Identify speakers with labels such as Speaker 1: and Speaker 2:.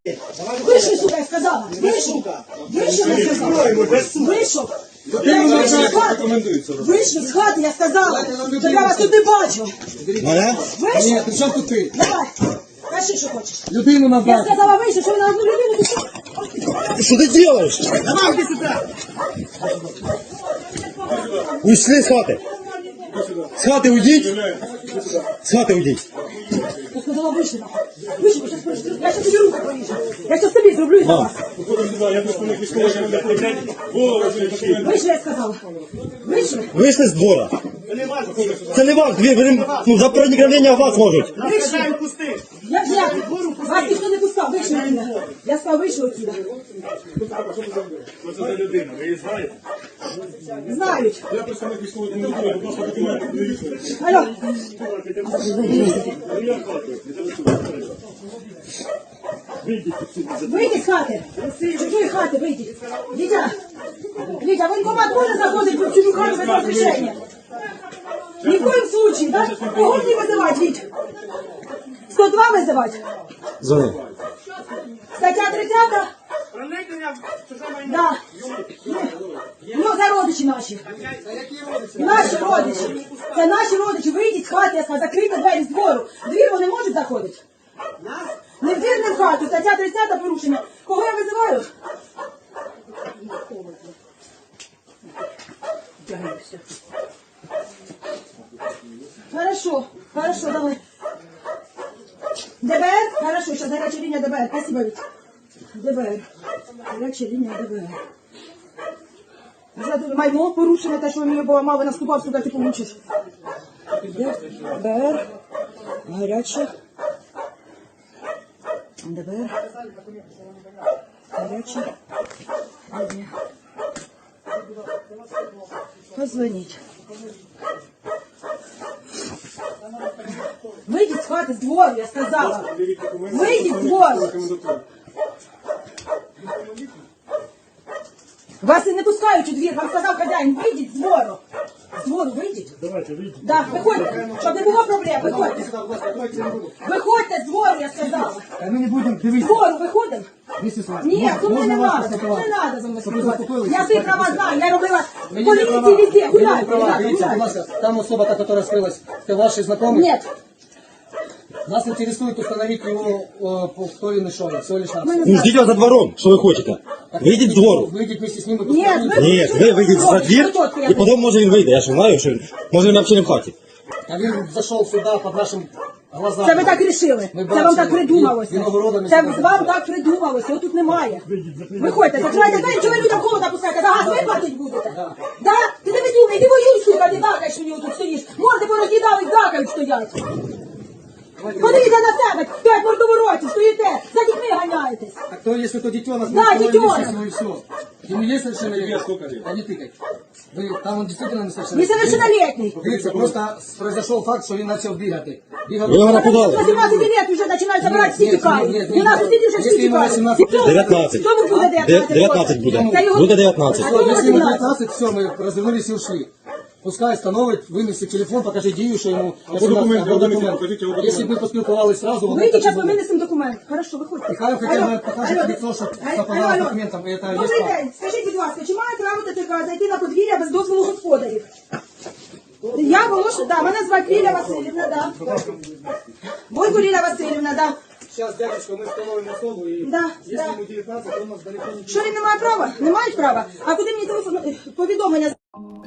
Speaker 1: Вийшли, сука, я сказала. Вийшов. Вийшов, я сказала. Вийшов. Вийшли з хати, я сказала. Щоб я вас тут не бачу. Вийшов?
Speaker 2: Ні, при чому тут ти?
Speaker 1: Давай. Кажи, що хочеш.
Speaker 2: Людину
Speaker 1: Я
Speaker 2: назад.
Speaker 1: сказала, вийшов, що ви на одну людину.
Speaker 3: Что ты делаешь?
Speaker 1: Давай, иди сюда.
Speaker 3: Ушли с хаты. С хаты уйдите. С хаты уйдите.
Speaker 1: Я сказала, вийшли. Вийшли, я сейчас тобі руку поріжу. Я сейчас тобі зроблю за вас. Вийшли, я сказала. Вийшли.
Speaker 3: Вышли с двора. Це не ваш двір, ну, за проникновення в вас можуть.
Speaker 1: Вийшли. Як? Вас ніхто не пускав, вийшли мене. Я сказала, вийшли отсюда.
Speaker 4: Що це за людина? Ви її знаєте?
Speaker 1: Знають.
Speaker 4: Я представник військової комендатури, будь ласка, документи подивіться.
Speaker 1: Алло. Вийдіть з хати. З чужої хати вийдіть. Вітя, воєнкомат може заходити в чужу хату без розрішення? Ні в коїм случаї, так? Кого мені визивати, Віть? 102 визивати?
Speaker 3: Звони.
Speaker 1: Стаття 30? Да. Ну, це родичі наші. Наші родичі. Це наші родичі. Вийдіть з хати, я сказала, закрийте двері з двору. В двір вони можуть заходити? Не в двір, не в хату. Стаття 30 порушення. Кого я визиваю? Хорошо, давай. ДБР? Хорошо, сейчас горячая линия ДБР. Спасибо, Витя. ДБР. Горячая линия ДБР. Вже майно порушено, те, що мені поламали, наступав сюди, ти получиш. ДБР. Гаряча. ДБР. Гаряча линия. Позвоніть. Вийдіть з хати, з двору, я сказала. Вийдіть з двору. Вас і не пускають у двір, вам сказав хазяїн, вийдіть з двору. З двору вийдіть.
Speaker 4: Давайте, вийдіть.
Speaker 1: Так, виходьте, щоб не було проблем, виходьте. Виходьте з двору, я сказала.
Speaker 2: Ми не будемо
Speaker 1: З
Speaker 2: дивитися.
Speaker 1: двору виходимо. Ні, тут не треба, не треба за мною спілкуватися. Я свої права знаю, я робила в поліції везде, гуляйте, ребята,
Speaker 2: Дивіться, будь
Speaker 1: гуляйте.
Speaker 2: ласка, там особа, та, яка скрылась, это ваши знакомые?
Speaker 1: Нет,
Speaker 2: Нас интересует установить его, кто он и шел, всего лишь нас.
Speaker 3: Ну, ждіть вас за двором, що ви хочете. Вийдіть з двору.
Speaker 2: Выйдите вместе с ним и
Speaker 1: нет,
Speaker 2: поспілкуйтесь.
Speaker 3: Ні, ви вийдіть за двір, і потім може він вийде. Я ж знаю, що може він взагалі не в хаті.
Speaker 2: А він зашел сюда под нашим глазами.
Speaker 1: це ви так рішили,
Speaker 2: Ми
Speaker 1: це вам
Speaker 2: бачили,
Speaker 1: так придумалося.
Speaker 2: виногородами
Speaker 1: Це
Speaker 2: себе
Speaker 1: вам так придумалося, його тут немає. Виходьте, закривайте двері, чого ви людям холода пускаєте, за газ ви платить будете? Да? Ти не видумай, ти воюй, сука, ти дакаєш мені тут стоїш. Морди пороз'їдали, дакають стоять. Подивіться на себе, стоять мордовороті, стоїте, за дітьми ганяєтесь.
Speaker 2: А кто, если то детенок,
Speaker 1: Да, детенок.
Speaker 2: и все. Ему есть совершеннолетие?
Speaker 4: Сколько лет?
Speaker 2: А не тыкай. Там он действительно несовершеннолетний.
Speaker 1: Несовершеннолетний.
Speaker 2: Дивіться, просто произошел факт, що він почав бігати.
Speaker 3: Ви його напугали.
Speaker 1: 18 лет вже починають забирати, всі тікають. У нас усі вже всі
Speaker 2: Якщо йому
Speaker 1: тікають.
Speaker 2: 18,
Speaker 3: 19.
Speaker 1: Хто буде 19?
Speaker 3: 19 буде.
Speaker 1: Це його-
Speaker 3: Буде 19.
Speaker 1: А кому
Speaker 2: Если ему
Speaker 1: 18?
Speaker 2: 19, все, мы развернулись и ушли. Пускай остановить, вынести телефон, покажи Дию, что ему...
Speaker 4: документы, покажите его
Speaker 2: Если бы мы поспілкувались сразу... он
Speaker 1: Вийдіть,
Speaker 2: так
Speaker 1: зараз
Speaker 2: не
Speaker 1: ми
Speaker 2: будет.
Speaker 1: винесемо документ. Хорошо, виходьте.
Speaker 2: Нехай хоча б покаже лицо, що совпадало документам, і це є
Speaker 1: Добрий
Speaker 2: факт.
Speaker 1: день. Скажіть, будь ласка, чи має право ТЦК зайти на подвір'я без дозволу господарів? Я Волоша, да, мене звати Ліля Васильівна, да. Бойко Ліля Васильівна, да.
Speaker 2: Сейчас, дядечка, мы установим особу, и
Speaker 1: Да,
Speaker 2: если
Speaker 1: да.
Speaker 2: ему 19, то у нас далеко не...
Speaker 1: Що він не має права? Не мають права? А куди мені телефон, повідомлення?